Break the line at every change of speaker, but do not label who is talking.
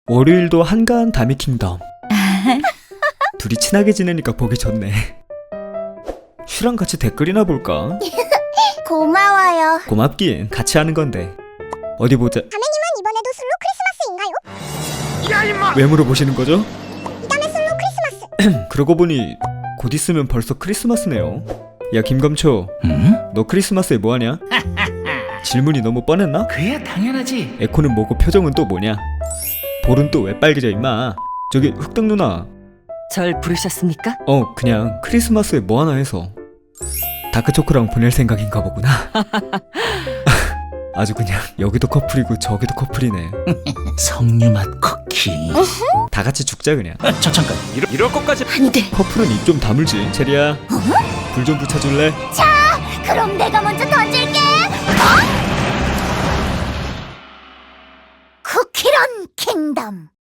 월요일도 한가한 다미킹덤. 둘이 친하게 지내니까 보기 좋네. 슈랑 같이 댓글이나 볼까?
고마워요.
고맙긴, 같이 하는 건데. 어디 보자.
다매님은 이번에도 슬로 크리스마스인가요?
왜 물어보시는 거죠?
이담의 슬로 크리스마스.
그러고 보니 곧 있으면 벌써 크리스마스네요. 야 김감초, 너 크리스마스에 뭐하냐? 질문이 너무 뻔했나?
그야 당연하지.
에코는 뭐고 표정은 또 뭐냐? 볼은 또 왜 빨개져 임마? 저기 흑등 누나.
절 부르셨습니까?
그냥 크리스마스에 뭐하나 해서. 다크초코랑 보낼 생각인가 보구나. 아주 그냥 여기도 커플이고 저기도 커플이네.
석류맛 쿠키.
다 같이 죽자 그냥.
저 잠깐.
이럴 것까지.
안 돼.
커플은 입 좀 다물지. 체리야, 불 좀 붙여줄래?
그럼 내가 먼저 던질게. 쿠키런 킹덤.